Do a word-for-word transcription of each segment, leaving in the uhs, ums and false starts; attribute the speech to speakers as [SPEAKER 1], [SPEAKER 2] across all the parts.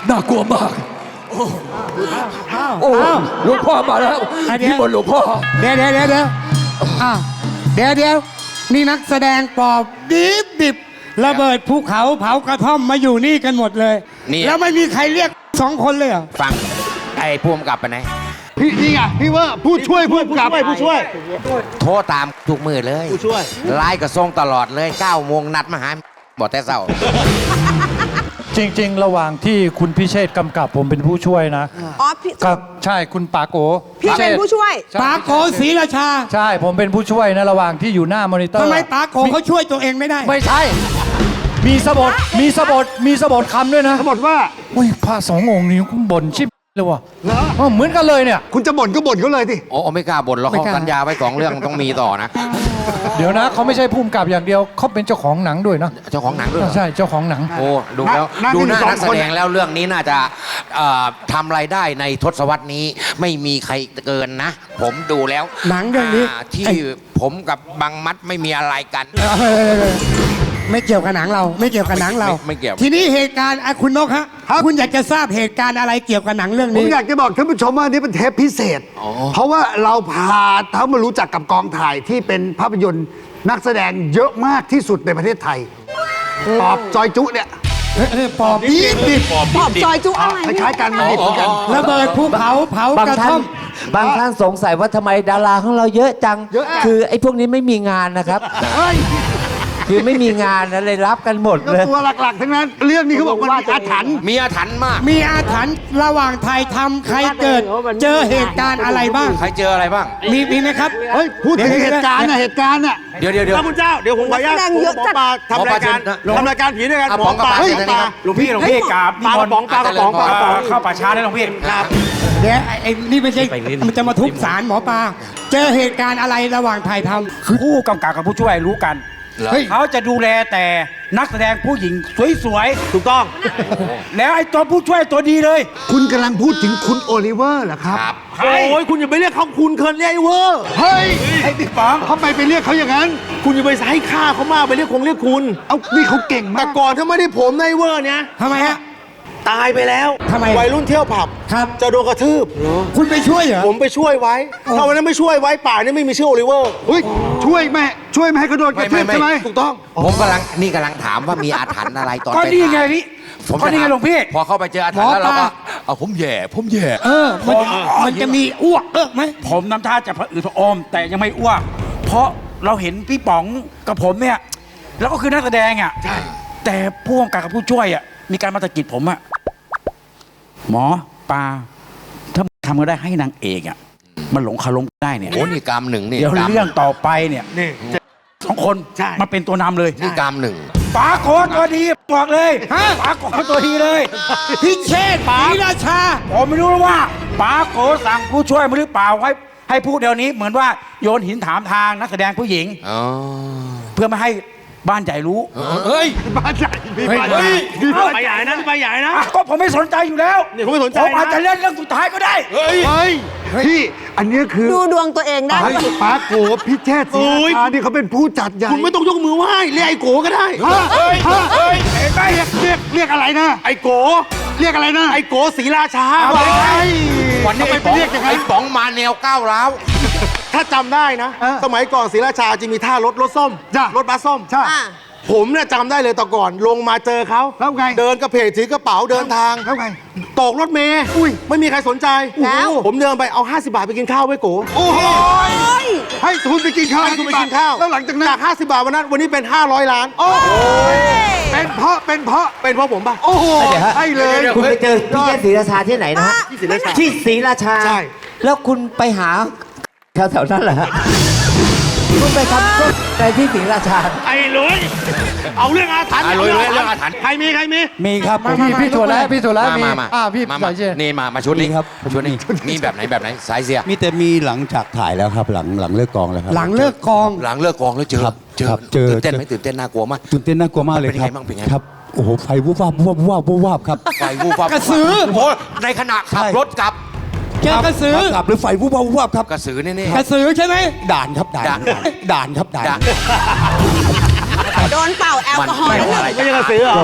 [SPEAKER 1] น่ากลัวมากโอ้โอ้หลวงพ่อมาแล้วที่บนหลวงพ่อ
[SPEAKER 2] เดี๋ยวเดี๋ยวเดี๋ยวเดี๋ยวอ่ะเดี๋ยวเดี๋ยวนี่นักแสดงปอบดิบดิบระเบิดภูเขาเผากระท่อมมาอยู่นี่กันหมดเลยแล้วไม่มีใครเรียกสองคนเลยเหรอ
[SPEAKER 3] ฟังไอ้ผู้กำกับไปไหน
[SPEAKER 4] พี่นี่ไงพี่ว่าผู้ช่วยผู้กำกับผู้ช่วย
[SPEAKER 3] โทรตามทุกมือเลย
[SPEAKER 4] ผู้ช่วย
[SPEAKER 3] ไลน์ก็ส่งตลอดเลยเก้าโมงนัดมาหาบอกแต่เศร้า
[SPEAKER 5] จริงๆระหว่างที่คุณพิเชษกำกับผมเป็นผู้ช่วยนะ
[SPEAKER 6] อ๋อพี่
[SPEAKER 5] ครับใช่คุณปาโก
[SPEAKER 6] พี่เป็นผู้ช่วย
[SPEAKER 2] ปาโกศรีราชา
[SPEAKER 5] ใช่ผมเป็นผู้ช่วยนะระหว่างที่อยู่หน้ามอนิเตอร์
[SPEAKER 2] ทำไมปาโกเขาช่วยตัวเองไม่ได้
[SPEAKER 5] ไม่ใช่มีสบทมีสบทมีสบทคำด้วยนะ
[SPEAKER 4] สบทว่า
[SPEAKER 5] อุ้ยพระสององค์นี้คุณบ่นชิบเลยว่ะเหมือนกันเลยเนี่ย
[SPEAKER 4] คุณจะบ่นก็บ่นเขาเลยสิ
[SPEAKER 3] โอ้ไม่กล้าบ่นแล้วเขาสัญญาไว้สองเรื่องต้องมีต่อนะ
[SPEAKER 5] เดี๋ยวนะเขาไม่ใช่ผู้กำกับอย่างเดียวเขาเป็นเจ้าของหนังด้วยนะ
[SPEAKER 3] เจ้าของหนังด้วย
[SPEAKER 5] ใช่เจ้าของหนัง
[SPEAKER 3] โอ้ดูแล้วดูหน้านักแสดงแล้วเรื่องนี้น่าจะทำรายได้ในทศวรรษนี้ไม่มีใครเกินนะผมดูแล้ว
[SPEAKER 2] หนังเรื่องนี้
[SPEAKER 3] ที่ผมกับบังมัดไม่มีอะไรกัน
[SPEAKER 2] ไม่เกี่ยวกับหนังเราไม่เกี่ยวกับหนังเรา
[SPEAKER 3] ไม่เกี่ยว
[SPEAKER 2] ทีนี้เหตุการณ์คุณนกฮะคุณอยากจะทราบเหตุการณ์อะไรเกี่ยวกับหนังเรื่องนี้
[SPEAKER 4] ผมอยากจะบอกท่านผู้ชมว่านี่เป็นเทปพิเศษเพราะว่าเราพาเขามารู้จักกับกองถ่ายที่เป็นภาพยนตร์นักแสดงเยอะมากที่สุดในประเทศไทยปอบจอยจุเนี่ย
[SPEAKER 2] ปอบดิบดิบ
[SPEAKER 6] ปอบจอยจุอะไร
[SPEAKER 4] คล้ายๆกันมันดิบเหมือนกัน
[SPEAKER 2] ระเบิดภูเขาเผากระท่อม
[SPEAKER 7] บางท่านสงสัยว่าทำไมดาราของเราเยอะจังคือไอ้พวกนี้ไม่มีงานนะครับคือไม่มีงานนะเลยรับกันหมดเลย
[SPEAKER 4] ตัวหลักๆทั้งนั้นเรื่องนี้เขาบอกว่าอาถรรพ์
[SPEAKER 3] มีอาถรรพ์มาก
[SPEAKER 2] มีอาถรรพ์ระหว่างถ่ายทำใครเกิดเจอเหตุการณ์อะไรบ้าง
[SPEAKER 3] ใครเจออะไรบ้าง
[SPEAKER 2] มีมีไหมครับ
[SPEAKER 4] เฮ้ยพูดถึงเหตุการณ์นะเหตุการณ์น่ะ
[SPEAKER 3] เดี๋ยวเดี๋ยวเดี๋ยว
[SPEAKER 4] พระคุณเจ้าเดี๋ยวผมขออนุญาตหมอปลาทำรายการทำรายการผีด้วยกันหมอปลา
[SPEAKER 1] หลวงพี่หลวงพี่กราบ
[SPEAKER 4] ปลากระป๋องปลากระป๋องปลากระป๋อง
[SPEAKER 1] เข้าป่าช้าได้หลวงพี่
[SPEAKER 4] ครับ
[SPEAKER 2] เดี๋ยวไอ้นี่ไม่ใช่มันจะมาทุบศาลหมอปลาเจอเหตุการณ์อะไรระหว่างถ่ายทำ
[SPEAKER 1] คือผู้กำกับกับผู้ช่วยรู้กันเขาจะดูแลแต่นักแสดงผู้หญิงสวยๆถูกต้องแล้วไอ้ตัวผู้ช่วยตัวดีเลย
[SPEAKER 4] คุณกำลังพูดถึงคุณโอลิเวอร์เหรอครับ
[SPEAKER 1] โอ้ยคุณอย่าไปเรียกเขาคุณเคินเรียกไอ้เวอร์
[SPEAKER 4] เฮ้ยไอ้ติ๊กป๋องทำไมไปเรียกเขาอย่างนั้น
[SPEAKER 1] คุณอย่าไปให้ค่าเขามากไปเรียกคงเรียกคุณ
[SPEAKER 4] เอ้านี่เขาเก่งมาก
[SPEAKER 1] แต่ก่อนถ้าไม่ได้ผมในเวอร์เนี่ย
[SPEAKER 2] ทำไมฮะ
[SPEAKER 1] ตายไปแล้ว
[SPEAKER 2] ทำไม
[SPEAKER 1] วัยรุ่นเที่ยวผับ
[SPEAKER 2] ครับ
[SPEAKER 1] จะโดนกระทืบ
[SPEAKER 2] คุณไปช่วยเหรอ
[SPEAKER 1] ผมไปช่วยไว้ถ้าวันนั้นไม่ช่วยไว้ป่านี่ไม่มีชื่อโอลิเวอร์
[SPEAKER 4] เฮ้ยช่วยแม่ช่วยไม่ให้เขาโดนกระทืบใช่ไหม
[SPEAKER 1] ถูกต้อง
[SPEAKER 3] ผมกำลังนี่กำลังถามว่ามีอาถรรพ์อะไรตอน
[SPEAKER 1] ก็นี่ไงพี่
[SPEAKER 3] ผม
[SPEAKER 1] ก็นี่ไงหลวงพี่
[SPEAKER 3] พอเข้าไปเจออาถรรพ์แล้วเราก็เอาผมแย่ผมแย่
[SPEAKER 2] เออมันมันจะมีอ้วกเออไหม
[SPEAKER 1] ผมน้ำท่าจะผะอืดผะอมแต่ยังไม่อ้วกเพราะเราเห็นพี่ป๋องกับผมเนี่ยแล้วก็คือนักแสดงอ่ะใช่แต่ผู้กำกับกับผู้ช่วยอ่ะมีการมาตะกิดผมอ่ะหมอปลาถ้าทำก็ได้ให้นางเอกอ่ะมันหลงคารมได้เนี่ย
[SPEAKER 3] โอ้นี่กรรมหนึ่งนี่
[SPEAKER 1] เดี๋ยวเรื่องต่อไปเนี่ยนี่สองคนมาเป็นตัวนำเลย
[SPEAKER 3] นี่กรรมหนึ่ง
[SPEAKER 1] ปาโกตัวดีบอกเลยฮะปาโกตัวดีเลย
[SPEAKER 2] พิเชษศรีราชา
[SPEAKER 1] ผมไม่รู้ว่าปาโกสั่งผู้ช่วยมาหรือเปล่าให้ให้พูดเดี๋ยวนี้เหมือนว่าโยนหินถามทางนักแสดงผู้หญิงเพื่อไม่ให้บ้านใหญ่รู้
[SPEAKER 3] เฮ้ย
[SPEAKER 4] บ้านใหญ่
[SPEAKER 1] เฮ้ยไปใหญ่นะไปใหญ่นะก็ผมไม่สนใจอยู่แล้ว
[SPEAKER 4] นี่ผมไม่สนใจ
[SPEAKER 1] ผมอาจจะเล่นเรื่องสุดท้ายก็ได้
[SPEAKER 4] เฮ้ยพี่อันนี้คือ
[SPEAKER 6] ดูดวงตัวเองได้
[SPEAKER 4] ปาโกพิเชษศรีราชานี่เขาเป็นผู้จัดใหญ่
[SPEAKER 1] คุณไม่ต้องยกมือไหว้เรียกไอ้โกก็ได้
[SPEAKER 4] เฮ้ยเฮ้ยเรียกเรียกเรียกอะไรนะ
[SPEAKER 1] ไอ้โก
[SPEAKER 4] เรียกอะไรนะ
[SPEAKER 1] ไอ้โกศรีราชา
[SPEAKER 3] วันนี้ไปเรียกยังไงไอ้ป๋องมาแนวก้าวร้าว
[SPEAKER 1] ถ้าจำได้นะสมัยก่อนศรีราชาจะมีท่ารถรถส้มรถบัสส้ม
[SPEAKER 4] ใช่
[SPEAKER 1] ผมเนี่ยจำได้เลยตอนก่อนลงมาเจอเขา
[SPEAKER 4] แล้วไง
[SPEAKER 1] เดินกระเพกถือกระเป๋าเดินทาง
[SPEAKER 4] แล้วไง
[SPEAKER 1] ตกรถเมย์อุ้ยไม่มีใครสนใจแล้วผมเดินไปเอาห้าสิบบาทไปกินข้าวไว้โก
[SPEAKER 4] โอ้โหให้ทุนไปกินข้าว
[SPEAKER 1] ให้ทุนไปกินข้าว
[SPEAKER 4] แล้วหลังจากนั้น
[SPEAKER 1] จากห้าสิบบาทวันนั้นวันนี้เป็นห้าร้อยล้าน
[SPEAKER 4] โอ้โหเป็นเพราะเป็นเพราะ
[SPEAKER 1] เป็นเพราะผมป่ะ
[SPEAKER 4] โอ้โหใช่เลย
[SPEAKER 7] คุณไปเจอพี่เชษศรีราชาที่ไหนนะฮะที่ศรีราชาที่ศรีราชา
[SPEAKER 4] ใช่
[SPEAKER 7] แล้วคุณไปหาแถวๆนั้นเหรอฮะคุณไปทำก็ในที่ศรีราชา
[SPEAKER 1] ไอ้ลุยเอาเรื่องอาถรรพ์
[SPEAKER 3] เอาเรื่องอาถรรพ์
[SPEAKER 1] ใครมีใครมี
[SPEAKER 5] มีครับพี่พี่ถั่วแล้วพี่ถั่วแล้วมีอ่าพี่
[SPEAKER 3] สายเชียนี่มามาชุดนี้ครับชุดนี้มีแบบไหนแบบไหนสายเสีย
[SPEAKER 8] มีแต่มีหลังจากถ่ายแล้วครับหลังหลังเลิกกองแล้วครับ
[SPEAKER 2] หลังเลิกกอง
[SPEAKER 3] หลังเลิกกองแล้วเจอ
[SPEAKER 8] เจอเจอ
[SPEAKER 3] ตื่นเต้นไหมตื่นเต้นน่ากลัวมาก
[SPEAKER 8] ตื่นเต้นน่ากลัวมากเลยครับครับโอ้โหไฟวูบวาบวูบวาบวูบวาบครับ
[SPEAKER 3] ไฟวูบวาบ
[SPEAKER 2] กระสือ
[SPEAKER 3] โอ้โหในขณะขับรถกลับ
[SPEAKER 2] เจอกระสือก
[SPEAKER 8] ลับหรือไฟวูบวาบวูบวาบครับ
[SPEAKER 3] กระสือนี่นี่
[SPEAKER 2] กระสือใช่ไหม
[SPEAKER 8] ด่านครับด่านด่านครับด่าน
[SPEAKER 6] โดนเป่าแอลกอฮอล์
[SPEAKER 1] ไม่ใช่กระสือหรอ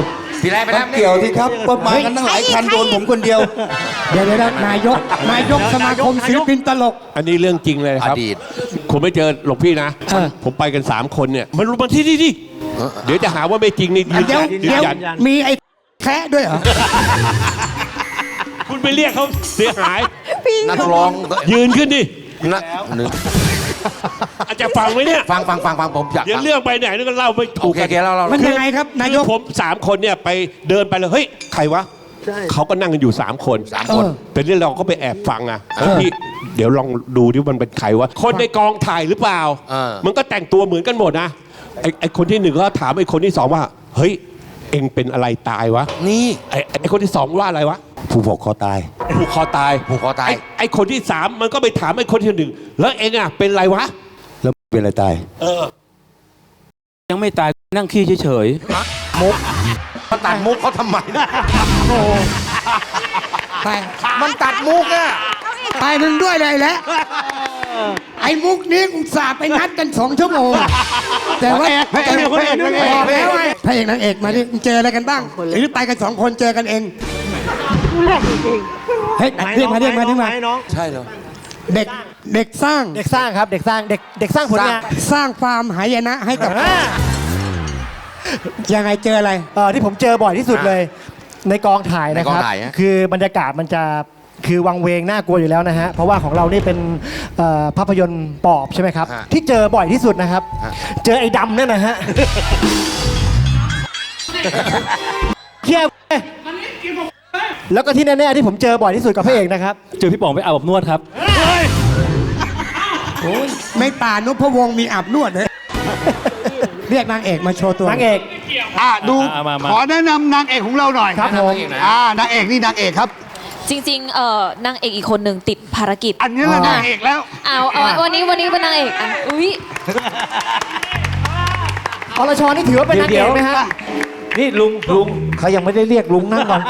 [SPEAKER 3] พี่แรกไปแล้ว
[SPEAKER 8] เกี่ยวที่ครับว่ามากันตั้งหลายคันโดนผมคนเดียว
[SPEAKER 2] เดี๋ยวเดี๋ยวนายก นายกสมาคมศิลปินตลก
[SPEAKER 9] อันนี้เรื่องจริงเลยครับ
[SPEAKER 3] อดีต
[SPEAKER 9] ผมไม่เจอหลวงพี่นะ
[SPEAKER 2] เออ
[SPEAKER 9] ผมไปกันสามคนเนี่ยมันรู้มาที่นี่ดิเดี๋ยวจะหาว่าไม่จริงนี่ยืน
[SPEAKER 2] เดี๋ยว
[SPEAKER 9] ยันยื
[SPEAKER 2] เดี๋ย
[SPEAKER 9] น
[SPEAKER 2] ว
[SPEAKER 9] ยัน
[SPEAKER 2] มีไอ้แคะด้วยเหรอ
[SPEAKER 9] คุณไปเรียกเขาเสียหาย
[SPEAKER 3] นักร้อง
[SPEAKER 9] ยืนขึ้นดิ
[SPEAKER 3] นักหนึ่ง
[SPEAKER 9] อาจจะฟังไหมเนี่ย
[SPEAKER 3] ฟังฟังฟังฟังผมอยาก
[SPEAKER 9] เดี๋ยว
[SPEAKER 3] ฟัง
[SPEAKER 9] เรื่องไปไหนนี่ก็เล่าไม่
[SPEAKER 3] โอ
[SPEAKER 9] ถูก
[SPEAKER 3] เค
[SPEAKER 9] กั
[SPEAKER 3] โอเคเราเรา
[SPEAKER 2] มันยังไงครับ นาย
[SPEAKER 9] คื
[SPEAKER 2] ก
[SPEAKER 9] อผมสามคนเนี่ยไปเดินไปเลยเฮ้ยใครวะเขาก็นั่งกันอยู่สามคน
[SPEAKER 3] สามคน
[SPEAKER 2] เออ
[SPEAKER 9] แต่นี่เราก็ไปแอบฟังอ่ะเฮ้ยพี่เดี๋ยวลองดูดิมันเป็นใครวะคนในกองถ่ายหรือเปล่า
[SPEAKER 3] เออ
[SPEAKER 9] มันก็แต่งตัวเหมือนกันหมดนะไอ้ไอ้คนที่หนึ่งก็ถามไอ้คนที่สองว่าเฮ้ยเอ็งเป็นอะไรตายวะ
[SPEAKER 3] นี่
[SPEAKER 9] ไอ้ไอ้คนที่สองว่าอะไรวะ
[SPEAKER 8] ผู้ผูกคอตาย
[SPEAKER 9] ผูกคอตาย
[SPEAKER 3] ผูกคอตาย
[SPEAKER 9] ไไอ้คนที่สามมันก็ไปถามไอ้คนที่หนึ่งแล้วเอ็งอ่ะเป็นอะไรวะ
[SPEAKER 8] แล้วเป็นอะไรตาย
[SPEAKER 9] เออ
[SPEAKER 1] ยังไม่ตายนั่งขี้เฉย
[SPEAKER 3] มุกมันตัดมุกเขาทำไมนะ
[SPEAKER 2] ไป
[SPEAKER 3] มันตัดมุกอะ
[SPEAKER 2] ไปมึงด้วยเลยแหละไอ้มุกนี้อุตส่าห์ไปนัดกันสองชั่วโมง แต่ว่า
[SPEAKER 4] พระเอกพระเอกพระเอก
[SPEAKER 2] บอกแล้วไงพระเอกนางเอกมาดิมึงเจออะไรกันบ้าง หรือไปกันสองคนเจอกันเองเฮ้ยเรียกมาเรียกมาเรียกมา
[SPEAKER 3] ใช่เหรอ
[SPEAKER 2] เด็กเด็กสร้าง
[SPEAKER 10] เด็กสร้างครับ เด็กสร้างเด็กเด็กสร้างผลงาน
[SPEAKER 2] สร้างฟาร์มหายนะให้กับยังไงเจออะไร
[SPEAKER 10] เอ่อที่ผมเจอบ่อยที่สุดเลย ในกองถ่ายนะครับ
[SPEAKER 3] ในกองถ่ายฮะ
[SPEAKER 10] คือบรรยากาศมันจะคือวังเวงน่ากลัวอยู่แล้วนะฮะเพราะว่าของเรานี่เป็นเอ่อภาพยนตร์ปอบใช่ไหมครับ ที่เจอบ่อยที่สุดนะครับ เจอไอ้ดำเนี่ยนะฮะเที่ยวแล้วก็ที่แน่ๆที่ผมเจอบ่อยที่สุดกับพระเอกนะครับ
[SPEAKER 5] เจอพี่ป๋องไปอาบอบนวดครับ
[SPEAKER 2] ไม่ป่านพวงศ์มีอาบนวดเลยเรียกนางเอกมาโชว์ตัว
[SPEAKER 10] นางเอก
[SPEAKER 4] อ่ะดู
[SPEAKER 5] อ่ะมามา
[SPEAKER 4] ขอแนะนำนางเอกของเราหน่อย
[SPEAKER 10] ครับผม
[SPEAKER 4] อ่านางเอกนี่นางเอกครับ
[SPEAKER 11] จริงๆ เอ่อนางเอกอีกคนหนึ่งติดภารกิจ
[SPEAKER 4] อันนี้แหละนางเอกแล้ว
[SPEAKER 11] เอาเอาวันนี้วันนี้เป็นนางเอกอ่ะอุ้ย
[SPEAKER 10] อรชรนี่ถือว่าเป็นนางเอกไหมฮะ
[SPEAKER 7] นี่ลุงลุงเขายังไม่ได้เรียกลุงนั่งก่อน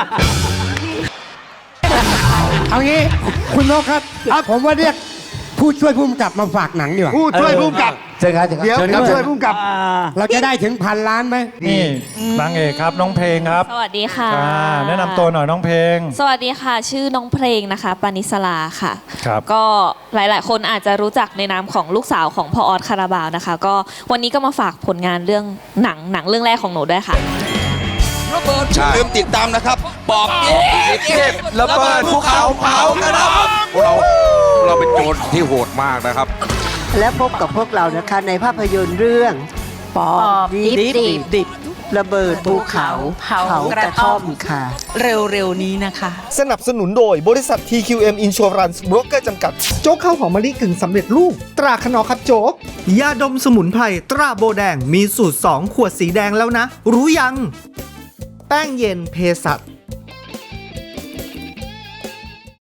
[SPEAKER 2] เอางี้คุณนกครับผมว่าเรียกผู้ช่วยผู้กำกับมาฝากหนังดีกว่า
[SPEAKER 4] ผู้ช่วยผู้กำกับ
[SPEAKER 7] เชิญครับเชิญครับ
[SPEAKER 4] เดี๋ยว
[SPEAKER 7] เชิญค
[SPEAKER 4] ผู้
[SPEAKER 7] รับ
[SPEAKER 4] ช่วยผู้กำกับ
[SPEAKER 2] เราจะได้ถึงพันล้านไหม
[SPEAKER 5] นี่นางเอกครับน้องเพลงครับ
[SPEAKER 11] สวัสดีค่ะ
[SPEAKER 5] อ่าแนะนำตัวหน่อยน้องเพลง
[SPEAKER 11] สวัสดีค่ะ ชื่อน้องเพลงนะคะปานิสลาค่ะ
[SPEAKER 5] ครับ
[SPEAKER 11] ก็หลายๆ คนอาจจะรู้จักในนามของลูกสาวของพ่อออสคาราบาวนะคะ ก็วันนี้ก็มาฝากผลงานเรื่องหนังหนังเรื่องแรกของหนูด้วยค่ะ
[SPEAKER 8] อย่าลืมติดตามนะครับ ปอบเก็บระเบิดภูเขาเผากระด
[SPEAKER 3] เราเราเป็นโจรที่โหดมากนะครับ
[SPEAKER 6] และพบกับพวกเรานะคะในภาพยนตร์เรื่องปอบดิบดิบดิบระเบิดภูเขาเผากระท่อมค่ะ เร็วๆนี้นะคะ
[SPEAKER 10] สนับสนุนโดยบริษัท ที คิว เอ็ม Insurance Broker จำกัด โจ๊กข้าวหอมมะลิกึ่งสำเร็จรูป ตราขนอครับโจ๊ก ยาดมสมุนไพรตราโบแดงมีสูตร สอง ขวดสีแดงแล้วนะ รู้ยัง แป้งเย็นเพสัต